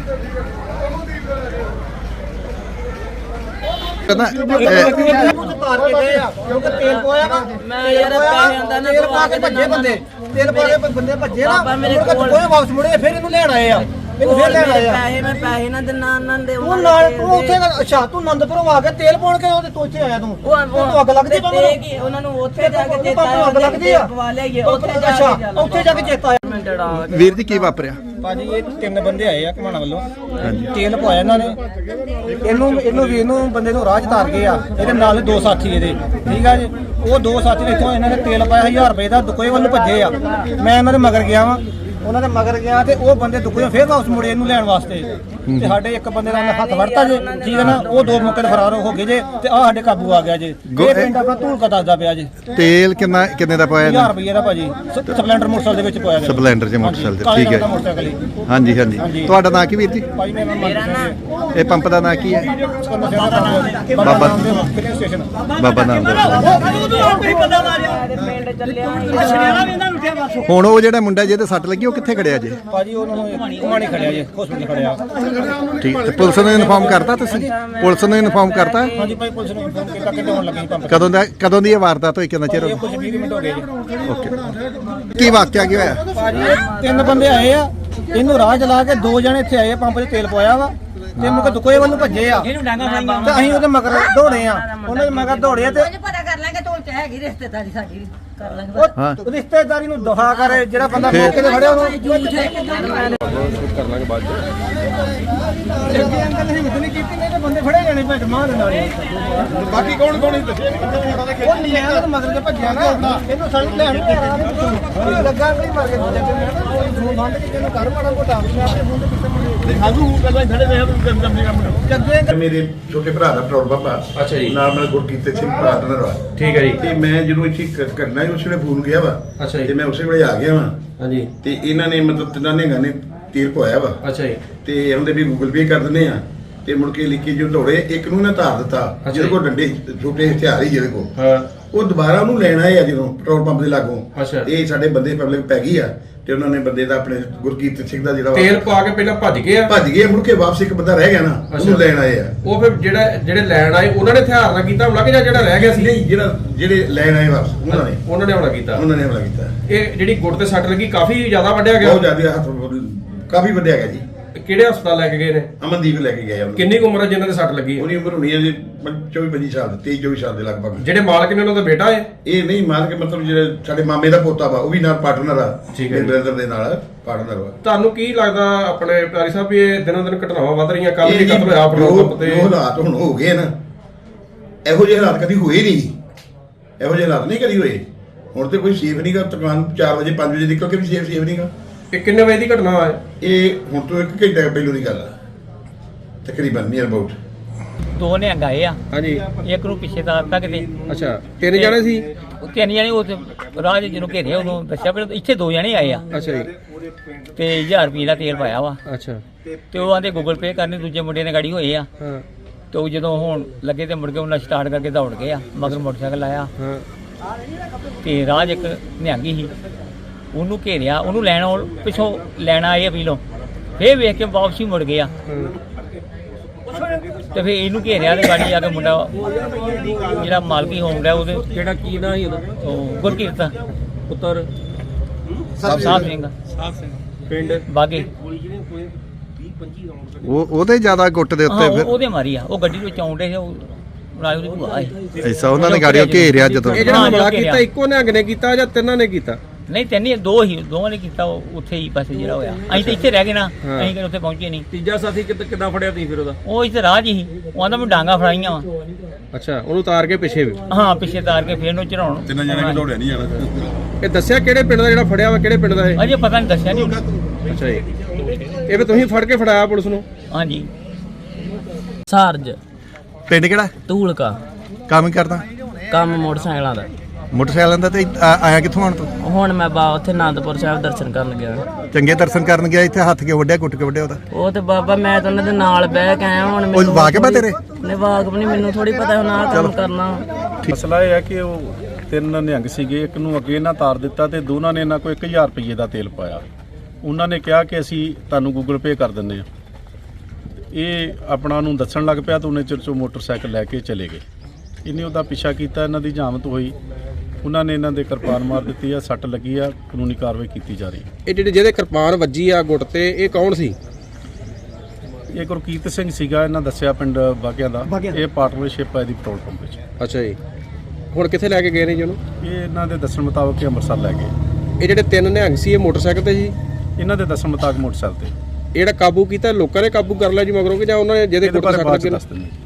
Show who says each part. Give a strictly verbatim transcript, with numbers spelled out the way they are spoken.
Speaker 1: मैं यार पैसे आंदा ना तेल पा के भज्जे बंदे तेल पा के बंदे भज्जे ना मेरे कोल कोई वापस मुड़े फिर इनु लेण आए आ इनु फिर लेण आए आ पैसे मैं पैसे ना देना ना दे तू नाल तू ਉੱਥੇ ਅੱਛਾ ਤੂੰ ਆਨੰਦਪੁਰੋਂ ਆ ਕੇ ਤੇਲ ਪਾਉਣ ਕੇ ਉਹਦੇ ਤੋਚੇ ਆਇਆ ਤੂੰ ਤੂੰ ਅੱਗ ਲੱਗਦੀ ਬੰਦੇ ਕੀ ਉਹਨਾਂ ਨੂੰ ਉੱਥੇ ਜਾ ਕੇ ਚੇਤਾ ਅੱਗ ਲੱਗਦੀ ਆ ਪਵਾ ਲਿਆਈਏ ਉੱਥੇ ਜਾ ਕੇ ਉੱਥੇ ਜਾ ਕੇ ਚੇਤਾ ਆਇਆ
Speaker 2: ਵੀਰ ਜੀ ਕੀ ਵਾਪਰਿਆ
Speaker 3: ਭਾਜੀ ਇਹ ਤਿੰਨ ਬੰਦੇ ਆਏ ਆ ਘਮਾਣਾ ਵੱਲੋਂ ਤੇਲ ਪਵਾਇਆ ਇਹਨਾਂ ਨੇ ਇਹਨੂੰ ਇਹਨੂੰ ਵੀ ਇਹਨੂੰ ਬੰਦੇ ਨੂੰ ਰਾਹ ਚ ਤਾਰ ਗਏ ਆ ਇਹਦੇ ਨਾਲ ਦੋ ਸਾਥੀ ਇਹਦੇ ਠੀਕ ਆ ਜੀ ਉਹ ਦੋ ਸਾਥੀ ਨੇ ਇੱਥੋਂ ਇਹਨਾਂ ਨੇ ਤੇਲ ਪਾਇਆ ਹਜ਼ਾਰ ਰੁਪਏ ਦਾ ਦੁਕੋਏ ਵੱਲ ਭੱਜੇ ਆ ਮੈਂ ਇਹਨਾਂ ਦੇ ਮਗਰ ਗਿਆ ਵਾਂ ਉਹਨਾਂ ਦੇ ਮਗਰ ਗਿਆ ਤੇ ਉਹ ਬੰਦੇ ਦੁਕੋਏ ਫੇਰ ਵਾਪਸ ਮੁੜੇ ਇਹਨੂੰ ਲੈਣ ਵਾਸਤੇ ਤੇ ਸਾਡੇ ਇੱਕ ਬੰਦੇ ਦਾ ਹੱਥ ਵੜਤਾ ਜੇ ਠੀਕ ਹੈ ਨਾ ਉਹ ਦੋ ਮੌਕੇ ਤੇ ਫਰਾਰ ਹੋ ਗਏ ਜੇ ਤੇ ਆ ਸਾਡੇ ਕਾਬੂ ਆ ਗਿਆ ਜੇ ਇਹ ਪਿੰਡ ਆਪਣਾ ਧੂਲਕਾ ਦੱਸਦਾ ਪਿਆ ਜੇ
Speaker 2: ਤੇਲ ਕਿੰਨਾ ਕਿੰਨੇ ਦਾ ਪਾਇਆ
Speaker 3: ਹਜ਼ਾਰ ਰੁਪਏ ਦਾ ਭਾਜੀ ਸਪਲੈਂਡਰ ਮੋਟਰਸਾਈਕਲ ਦੇ ਵਿੱਚ ਪਾਇਆ ਗਿਆ
Speaker 2: ਸਪਲੈਂਡਰ ਚ ਮੋਟਰਸਾਈਕਲ ਤੇ ਠੀਕ ਹੈ ਹਾਂਜੀ ਹਾਂਜੀ ਤੁਹਾਡਾ ਨਾਂ ਕੀ ਵੀਰ ਜੀ
Speaker 1: ਮੇਰਾ ਨਾ
Speaker 2: ਇਹ ਪੰਪ ਦਾ ਨਾਂ ਕੀ ਹੈ
Speaker 3: ਬਾਬਾ
Speaker 2: ਬਾਬਾ ਨਾਮ
Speaker 1: ਪਿੰਡ ਚੱਲਿਆ
Speaker 2: ਹੁਣ ਉਹ ਜਿਹੜਾ ਮੁੰਡਾ ਜਿਹਦੇ ਸੱਟ ਲੱਗੀ ਉਹ ਕਿੱਥੇ ਖੜਿਆ ਜੇ
Speaker 3: ਭਾਜੀ ਉਹਨਾਂ ਨੂੰ ਘੁਮਾਣੀ ਖੜਿਆ ਜੇ ਹਸਪੀਟਲ ਖੜਿਆ
Speaker 2: ਠੀਕ ਤੇ ਪੁਲਿਸ ਨੂੰ ਇਨਫਾਰਮ ਕਰਤਾ ਤੁਸੀਂ ਪੁਲਿਸ ਨੂੰ ਇਨਫਾਰਮ ਕਰਤਾ
Speaker 3: ਹਾਂਜੀ ਭਾਈ ਪੁਲਿਸ ਨੂੰ ਇਨਫਾਰਮ ਕੀਤਾ ਕਿ ਹੋਣ ਲੱਗੀ ਪੰਪ
Speaker 2: ਕਦੋਂ ਦਾ ਕਦੋਂ ਦੀ ਇਹ ਵਾਰਦਾਤ ਹੋਈ ਕਿੰਨਾ ਚਿਰ ਹੋ
Speaker 3: ਇਹ ਕੁਝ ਵੀਹ ਮਿੰਟ ਹੋ ਗਏ ਜੀ
Speaker 2: ਓਕੇ ਕੀ ਵਾਕਿਆ ਕੀ ਹੋਇਆ
Speaker 3: ਭਾਜੀ ਇਹ ਤਿੰਨ ਬੰਦੇ ਆਏ ਆ ਇਹਨੂੰ ਰਾਹ ਚਲਾ ਕੇ ਦੋ ਜਣੇ ਇੱਥੇ ਆਏ ਪੰਪ 'ਚ ਤੇਲ ਪਵਾਇਆ ਵਾ ਤੇ ਮੁਕ ਦੁਕੋਏ ਵੱਲ ਭੱਜੇ ਆ ਤੇ ਅਸੀਂ ਉਹਦੇ ਮਗਰ ਦੌੜੇ ਆ ਉਹਨਾਂ ਦੇ ਮਗਰ ਦੌੜੇ ਤੇ
Speaker 1: ਪਤਾ ਕਰ ਲਾਂਗੇ ਢੋਲ ਚ ਹੈਗੀ ਰਿਸ਼ਤੇਦਾਰੀ ਸਾਡੀ ਕਰ ਲਾਂਗੇ
Speaker 3: ਉਹ ਰਿਸ਼ਤੇਦਾਰੀ ਨੂੰ ਦੁਹਾ ਕਰੇ ਜਿਹੜਾ ਬੰਦਾ ਮੌਕੇ ਤੇ ਫੜਿਆ ਉਹਨੂੰ
Speaker 4: ਕਰ ਲਾਂਗੇ ਬਾਅਦ
Speaker 3: ਜੱਗੀ ਅੰਕਲ ਨੇ ਹਿੰਮਤ ਨਹੀਂ ਕੀਤੀ ਨਹੀਂ ਤੇ ਬੰਦੇ ਫੜੇ ਜਾਣੇ ਭੱਜ ਮਾਰ ਦਿੰਦਾ
Speaker 4: ਬਾਕੀ ਕੌਣ ਕੌਣ ਦੱਸੇ
Speaker 3: ਉਹ ਨਹੀਂ ਆਇਆ ਤੇ ਮਗਰ ਤੇ ਭੱਜਿਆ ਨਾ ਇਹਨੂੰ ਸੜਕ ਲੈਣ ਲੱਗਾ ਨਹੀਂ ਮਾਰ ਕੇ ਕੋਈ ਫੋਨ ਬੰਦ ਕੇ ਇਹਨੂੰ ਘਰ ਮਾੜਾ ਮੋਟਾ ਮੈਂ ਆਪਣੇ ਫੋਨ ਤੇ ਕਿੱਥੇ ਮੁੰਡੇ
Speaker 4: ਸਾਨੂੰ ਪਹਿਲਾਂ ਖੜੇ ਰਹੇ ਕੰਮ ਕੰਮ ਕੰਮ
Speaker 3: ਜੱਗੇ ਅੰਕਲ
Speaker 5: ਮੇਰੇ ਛੋਟੇ ਭਰਾ ਦਾ ਪੈਟਰੋਲ ਪੰਪ ਆ
Speaker 4: ਅੱਛਾ ਜੀ
Speaker 5: ਨਾਮ ਨਾਲ ਗੁਰਕੀਰਤ ਸਿੰਘ ਪਾਰਟਨਰ ਵਾ
Speaker 4: ਠੀਕ ਹੈ ਜੀ
Speaker 5: ਤੇ ਮੈਂ ਜਦੋਂ ਇੱਥੇ ਕ- ਕਰਨਾ ਸੀ ਉਸ ਵੇਲੇ ਫੋਨ ਗਿਆ ਵਾ
Speaker 4: ਅੱਛਾ ਜੀ।
Speaker 5: ਤੇ ਮੈਂ ਉਸੇ ਵੇਲੇ ਆ ਗਿਆ ਵਾ
Speaker 4: ਹਾਂਜੀ
Speaker 5: ਤੇ ਇਹਨਾਂ ਨੇ ਮਤਲਬ ਤਿੰਨਾਂ ਨੇ ਗਾਣੇ ਤੀਰ ਪਵਾਇਆ ਵਾ
Speaker 4: ਅੱਛਾ ਜੀ
Speaker 5: ਤੇ ਉਹਦੇ ਵੀ ਗੂਗਲ ਪੇ ਕਰ ਦਿੰਦੇ ਆ ਤੇ ਮੁੜ ਕੇ ਲਿਖੀ ਜੋ ਦੌੜੇ ਇੱਕ ਨੂੰ ਨਾ ਧਾਰ ਦਿੱਤਾ ਜਿਹਦੇ ਕੋਲ ਡੰਡੇ ਛੋਟੇ ਹਥਿਆਰ ਹੀ ਜਿਹਦੇ ਕੋਲ
Speaker 4: ਹਾਂ
Speaker 5: ਉਹ ਦੁਬਾਰਾ ਉਹਨੂੰ ਲੈਣ ਆਏ ਆ ਜਦੋਂ ਪੈਟਰੋਲ ਪੰਪ ਦੇ ਲਾਗੋਂ
Speaker 4: ਅੱਛਾ।
Speaker 5: ਇਹ ਸਾਡੇ ਬੰਦੇ ਪਬਲਿਕ ਪੈ ਗਈ ਆ ਤੇ ਉਹਨਾਂ ਨੇ ਬੰਦੇ ਦਾ ਆਪਣੇ ਗੁਰਕੀਰਤ ਸਿੰਘ ਦਾ ਜਿਹੜਾ ਵਾ
Speaker 4: ਤੇਲ ਪਾ ਕੇ ਪਹਿਲਾਂ ਭੱਜ ਗਏ ਆ
Speaker 5: ਭੱਜ ਗਏ ਮੁੜ ਕੇ ਵਾਪਸ ਇੱਕ ਬੰਦਾ ਰਹਿ ਗਿਆ ਨਾ ਉਹਨੂੰ
Speaker 4: ਅੱਛਾ।
Speaker 5: ਲੈਣ ਆਏ ਆ
Speaker 4: ਉਹ ਫਿਰ ਜਿਹੜਾ ਜਿਹੜੇ ਲੈਣ ਆਏ ਉਹਨਾਂ ਨੇ ਹਥਿਆਰ ਨਾਲ ਕੀਤਾ ਹਮਲਾ ਕਿ ਜਾਂ ਜਿਹੜਾ ਰਹਿ ਗਿਆ ਸੀ
Speaker 5: ਨਹੀਂ ਜਿਹੜਾ ਜਿਹੜੇ ਲੈਣ ਆਏ ਵਾਪਸ ਉਹਨਾਂ ਨੇ
Speaker 4: ਉਹਨਾਂ ਨੇ ਹਮਲਾ ਕੀਤਾ
Speaker 5: ਉਹਨਾਂ ਨੇ ਹਮਲਾ ਕੀਤਾ
Speaker 4: ਇਹ ਜਿਹੜੀ ਗੁੱਟ ਤੇ ਸੱਟ ਲੱਗੀ ਕਾਫੀ ਜ਼ਿਆਦਾ ਵੱਢਿਆ ਗਿਆ
Speaker 5: ਬਹੁਤ ਜ਼ਿਆਦਾ ਹੱਥ ਕਾਫੀ ਵੱਡਿਆ ਗਿਆ ਜੀ
Speaker 4: ਕਿਹੜੇ ਹਸਪਤਾਲ ਲੈ ਕੇ ਗਏ ਨੇ
Speaker 5: ਅਮਨਦੀਪ ਲੈ ਕੇ ਗਏ ਉਹਨੂੰ
Speaker 4: ਕਿੰਨੀ ਕੁ ਉਮਰ ਹੈ ਜਿਨ੍ਹਾਂ ਦੇ ਸੱਟ ਲੱਗੀ ਹੈ?
Speaker 5: ਉਹਦੀ ਉਮਰ ਹੋਣੀ ਹੈ ਜੀ ਚੌਵੀ ਪੱਚੀ ਸਾਲ ਦੀ ਤੇਈ ਚੌਵੀ ਸਾਲ ਦੇ ਲਗਭਗ
Speaker 4: ਜਿਹੜੇ ਮਾਲਕ ਨੇ ਉਹਨਾਂ ਦਾ ਬੇਟਾ ਹੈ
Speaker 5: ਇਹ ਨਹੀਂ ਮਾਰ ਕੇ ਮਤਲਬ ਜਿਹੜੇ ਸਾਡੇ ਮਾਮੇ ਦਾ ਪੋਤਾ ਵਾ ਉਹ ਵੀ ਨਾਲ ਪਾਰਟਨਰ ਆ
Speaker 4: ਠੀਕ ਹੈ ਜੀ।
Speaker 5: ਬ੍ਰਦਰ ਦੇ ਨਾਲ ਪਾਰਟਨਰ ਵਾ
Speaker 4: ਤੁਹਾਨੂੰ ਕੀ ਲੱਗਦਾ ਆਪਣੇ ਪਿਆਰੀ ਸਾਹਿਬ ਵੀ ਇਹ ਦਿਨੋਂ ਦਿਨ ਘਟਨਾਵਾਂ ਵੱਧ ਰਹੀਆਂ ਕੱਲ
Speaker 5: ਇਹ
Speaker 4: ਵੀ
Speaker 5: ਜੀ
Speaker 4: ਕਤਲ ਹੋਇਆ ਪੈਟਰੋਲ ਪੰਪ ਤੇ
Speaker 5: ਜੋ ਹਾਲਾਤ ਹੁਣ ਹੋ ਗਏ ਨਾ ਇਹੋ ਜਿਹੇ ਹਾਲਾਤ ਕਦੀ ਹੋਏ ਨਹੀਂ ਇਹੋ ਜਿਹੇ ਹਾਲਾਤ ਨਹੀਂ ਕਦੀ ਹੋਏ ਹੁਣ ਤੇ ਕੋਈ ਸੇਫ ਨਹੀਂਗਾ ਦੁਕਾਨ ਚਾਰ ਵਜੇ ਪੰਜ ਵਜੇ ਨਿਕਲ ਕੇ ਵੀ ਸੇਫ ਸੇਫ ਨਹੀਂਗਾ
Speaker 4: ਇਹ ਕਿੰਨੇ ਵਜੇ ਦੀ ਘਟਨਾ ਹੈ?
Speaker 5: ਇਹ ਹੁਣ ਤੋਂ ਇੱਕ ਘੰਟਾ ਪਹਿਲੋਂ ਦੀ ਗੱਲ ਆ ਤਕਰੀਬਨ ਨੀਅਰ ਅਬਾਊਟ
Speaker 6: ਦੋ ਨਿਹੰਗ ਆਏ ਆ
Speaker 4: ਹਾਂਜੀ
Speaker 6: ਇੱਕ ਨੂੰ ਪਿੱਛੇ ਦਾ ਤੱਕ ਤੇ
Speaker 4: ਅੱਛਾ ਤਿੰਨ ਜਣੇ ਸੀ
Speaker 6: ਉਹ ਤਿੰਨ ਜਣੇ ਉਹ ਤੇ ਰਾਹ ਦੇ ਜਿਹਨੂੰ ਘੇਰਿਆ ਉਦੋਂ ਦੱਸਿਆ ਪਰ ਇੱਥੇ ਦੋ ਜਣੇ ਆਏ ਆ
Speaker 4: ਅੱਛਾ ਜੀ
Speaker 6: ਤੇ ਹਜ਼ਾਰ ਰੁਪਏ ਦਾ ਤੇਲ ਪਾਇਆ ਵਾ
Speaker 4: ਅੱਛਾ
Speaker 6: ਤੇ ਉਹ ਆਂਦੇ ਗੂਗਲ ਪੇ ਕਰਨੇ ਦੂਜੇ ਮੁੰਡੇ ਨੇ ਗਾੜੀ ਹੋਏ ਆ
Speaker 4: ਹਾਂ
Speaker 6: ਤੇ ਉਹ ਜਦੋਂ ਹੁਣ ਲੱਗੇ ਤੇ ਮੁੜ ਕੇ ਉਹਨਾਂ ਸਟਾਰਟ ਕਰਕੇ ਦੌੜ ਗਏ ਆ ਮਗਰ ਮੋਟਰਸਾਈਕਲ ਆਇਆ
Speaker 4: ਹਾਂ
Speaker 6: ਤੇ ਰਾਹ 'ਚ ਇੱਕ ਨਿਹੰਗੀ ਸੀ ਉਹਨੂੰ ਘੇਰਿਆ ਉਹਨੂੰ ਲੈਣ ਆਉਣ- ਪਿੱਛੋਂ ਲੈਣਾ ਆਏ ਪੀਲੋਂ ਫੇਰ ਵੇਖ ਕੇ ਵਾਪਸੀ ਮੁੜ ਗਿਆ ਤੇ ਫੇਰ ਇਹਨੂੰ ਘੇਰਿਆ ਤੇ ਗਾੜੀ ਜਾ ਕੇ ਮੁੰਡਾ ਜਿਹੜਾ ਮਾਲਕੀ ਹੋਮ ਦਾ ਉਹਦੇ
Speaker 4: ਕਿਹੜਾ ਕੀ ਨਾਂ ਸੀ ਉਹਦਾ
Speaker 6: ਉਹ ਗੁਰਕੀਰਤ
Speaker 4: ਪੁੱਤਰ
Speaker 6: ਸਾਹਿਬ ਸਿੰਘ
Speaker 4: ਪਿੰਡ
Speaker 6: ਬਾਗੇ
Speaker 2: ਉਹ ਉਹਦੇ ਜ਼ਿਆਦਾ ਗੁੱਟ ਦੇ
Speaker 6: ਹਾਂ
Speaker 2: ਉੱਤੇ
Speaker 6: ਉਹ-
Speaker 2: ਫਿਰ
Speaker 6: ਉਹਦੇ ਮਾਰੀ ਆ ਉਹ ਗੱਡੀ ਵਿੱਚ ਆਉਂਦੇ ਸੀ ਉਹ ਨਾਲ ਉਹਦੀ ਭੂਆ ਸੀ।
Speaker 2: ਐਸਾ ਉਹਨਾਂ ਨੇ ਗਾੜੀਆਂ ਘੇਰਿਆ ਜਦੋਂ
Speaker 4: ਇਹ ਜਿਹੜਾ
Speaker 6: ਹਾਂ,
Speaker 4: ਹਮਲਾ
Speaker 6: ਘੇਰਿਆ।
Speaker 4: ਕੀਤਾ ਇੱਕੋ ਨਿਹੰਗ ਨੇ ਕੀਤਾ ਜਾਂ ਤਿੰਨਾਂ ਨੇ ਕੀਤਾ
Speaker 6: ਨਹੀਂ ਤੈਨੂੰ ਦੋ ਹੀ ਦੋਵਾਂ ਨੇ ਕੀਤਾ ਉਹ ਉੱਥੇ ਹੀ ਬਸ ਜਿਹੜਾ ਹੋਇਆ ਅਸੀਂ ਤਾਂ ਇੱਥੇ ਰਹਿ ਗਏ ਨਾ
Speaker 4: ਹਾਂ।
Speaker 6: ਅਸੀਂ ਕਿ ਉੱਥੇ ਪਹੁੰਚੇ ਨਹੀਂ
Speaker 4: ਤੀਜਾ ਸਾਥੀ ਕਿੱਦਾਂ ਫੜਿਆ ਤੁਸੀਂ ਫਿਰ ਉਹਦਾ
Speaker 6: ਉਹ ਇੱਥੇ ਰਾਹ 'ਚ ਹੀ ਉਹ ਆਂਦਾ ਮੈਂ ਡਾਂਗਾ ਫੜਾਈਆਂ ਵਾ
Speaker 4: ਅੱਛਾ ਉਹਨੂੰ ਉਤਾਰ ਕੇ ਪਿੱਛੇ ਵੀ
Speaker 6: ਹਾਂ ਪਿੱਛੇ ਤਾਰ ਕੇ ਫੇਰ ਨੂੰ ਚੜਾਉਣ
Speaker 5: ਤਿੰਨਾਂ ਜਣੇ ਵੀ ਦੌੜਿਆ ਨਹੀਂ ਜਾਣਾ
Speaker 4: ਇਹ ਦੱਸਿਆ ਕਿਹੜੇ ਪਿੰਡ ਦਾ ਜਿਹੜਾ ਫੜਿਆ ਵਾ ਕਿਹੜੇ ਪਿੰਡ ਦਾ ਇਹ
Speaker 6: ਅਜੇ ਪਤਾ ਨਹੀਂ ਦੱਸਿਆ ਨਹੀਂ ਉਹਨੇ।
Speaker 4: ਅੱਛਾ ਜੀ ਇਹ ਵੀ ਤੁਸੀਂ ਫੜ ਕੇ ਫੜਾਇਆ ਪੁਲਿਸ ਨੂੰ
Speaker 6: ਹਾਂਜੀ
Speaker 7: ਸਾਰਜ
Speaker 2: ਪਿੰਡ ਕਿਹੜਾ
Speaker 7: ਧੂਲਕਾ
Speaker 2: ਕੰਮ ਕਰਦਾ
Speaker 7: ਕੰਮ ਮੋਟਰਸਾਈਕਲਾਂ ਦਾ
Speaker 2: ਮੋਟਰਸਾਈਕਲਾਂ ਦਾ ਤੇ ਆ- ਆਇਆ ਕਿੱਥੋਂ ਆਣ ਤੂੰ
Speaker 7: ਹੁਣ ਮੈਂ ਬਾ ਉੱਥੇ ਆਨੰਦਪੁਰ ਸਾਹਿਬ ਦਰਸ਼ਨ ਕਰਨ ਗਿਆ
Speaker 2: ਚੰਗੇ ਦਰਸ਼ਨ ਕਰਨ ਗਿਆ ਇੱਥੇ ਹੱਥ ਕੇ ਵੱਢਿਆ ਕੁੱਟ ਕੇ ਵੱਢਿਆ ਉਹਦਾ
Speaker 7: ਉਹ ਤੇ ਬਾਬਾ ਮੈਂ ਤਾਂ ਉਹਨਾਂ ਦੇ ਨਾਲ ਬਹਿ ਕੇ ਆਇਆ ਹੁਣ
Speaker 2: ਉਹ ਵਾਕਿਬ ਆ ਤੇਰੇ?
Speaker 7: ਨਹੀਂ ਵਾਕਬ ਨਹੀਂ ਮੈਨੂੰ ਥੋੜੀ ਪਤਾ ਹੁਣ ਆਹ ਕੰਮ ਕਰਨਾ
Speaker 8: ਮਸਲਾ ਇਹ ਹੈ ਕਿ ਉਹ ਤਿੰਨ ਨਿਹੰਗ ਸੀਗੇ ਇੱਕ ਨੂੰ ਅੱਗੇ ਇਹਨਾਂ ਤਾਰ ਦਿੱਤਾ ਤੇ ਦੋਨਾਂ ਨੇ ਇਹਨਾਂ ਕੋਲ ਇੱਕ ਹਜ਼ਾਰ ਰੁਪਏ ਦਾ ਤੇਲ ਪਾਇਆ ਉਹਨਾਂ ਨੇ ਕਿਹਾ ਕਿ ਅਸੀਂ ਤੁਹਾਨੂੰ ਗੂਗਲ ਪੇ ਕਰ ਦਿੰਦੇ ਆ ਇਹ ਆਪਣਾ ਨੂੰ ਦੱਸਣ ਲੱਗ ਪਿਆ ਤਾਂ ਉਹਨੇ ਚਿਰ 'ਚੋਂ ਮੋਟਰਸਾਈਕਲ ਲੈ ਕੇ ਚਲੇ ਗਏ। ਇਹਨੇ ਉਹਦਾ ਪਿੱਛਾ ਕੀਤਾ, ਇਹਨਾਂ ਦੀ ਜਾਮਤ ਹੋਈ, ਉਹਨਾਂ ਨੇ ਇਹਨਾਂ ਦੇ ਕਿਰਪਾਨ ਮਾਰ ਦਿੱਤੀ ਆ, ਸੱਟ ਲੱਗੀ ਆ, ਕਾਨੂੰਨੀ ਕਾਰਵਾਈ ਕੀਤੀ ਜਾ ਰਹੀ ਹੈ।
Speaker 4: ਇਹ ਜਿਹੜੇ ਜਿਹਦੇ ਕਿਰਪਾਨ ਵੱਜੀ ਆ ਗੁੱਟ ਤੇ, ਇਹ ਕੌਣ ਸੀ?
Speaker 8: ਇਹ ਗੁਰਕੀਰਤ ਸਿੰਘ ਸੀਗਾ, ਇਹਨਾਂ ਦੱਸਿਆ ਪਿੰਡ ਬਾਗਿਆਂ ਦਾ। ਇਹ ਪਾਰਟਨਰਸ਼ਿਪ ਹੈ ਇਹਦੀ ਪੈਟਰੋਲ ਪੰਪ ਵਿੱਚ।
Speaker 4: ਅੱਛਾ ਜੀ, ਹੁਣ ਕਿੱਥੇ ਲੈ ਕੇ ਗਏ ਨੇ ਜੀ ਉਹਨੂੰ?
Speaker 8: ਇਹ ਇਹਨਾਂ ਦੇ ਦੱਸਣ ਮੁਤਾਬਕ ਇਹ ਅੰਮ੍ਰਿਤਸਰ ਲੈ ਗਏ।
Speaker 4: ਇਹ ਜਿਹੜੇ ਤਿੰਨ ਨਿਹੰਗ ਸੀ ਇਹ ਮੋਟਰਸਾਈਕਲ ਤੇ ਸੀ?
Speaker 8: ਇਹਨਾਂ ਦੇ ਦੱਸਣ ਮੁਤਾਬਕ ਮੋਟਰਸਾਈਕਲ ਤੇ।
Speaker 4: ਇਹ ਜਿਹੜਾ ਕਾਬੂ ਕੀਤਾ ਲੋਕਾਂ ਨੇ ਕਾਬੂ ਕਰ ਲਿਆ ਜੀ ਮਗਰੋਂ ਕਿ ਜਾਂ ਉਹਨਾਂ ਨੇ ਜਿਹਦੇ
Speaker 8: ਇਹਦੇ
Speaker 4: ਗੁੱਟ
Speaker 8: ਬਾਰੇ
Speaker 4: ਸੱਟ
Speaker 8: ਬਾਅਦ 'ਚ
Speaker 4: ਲੱਗੀ?
Speaker 8: ਦੱਸ ਦਿੰਦੇ।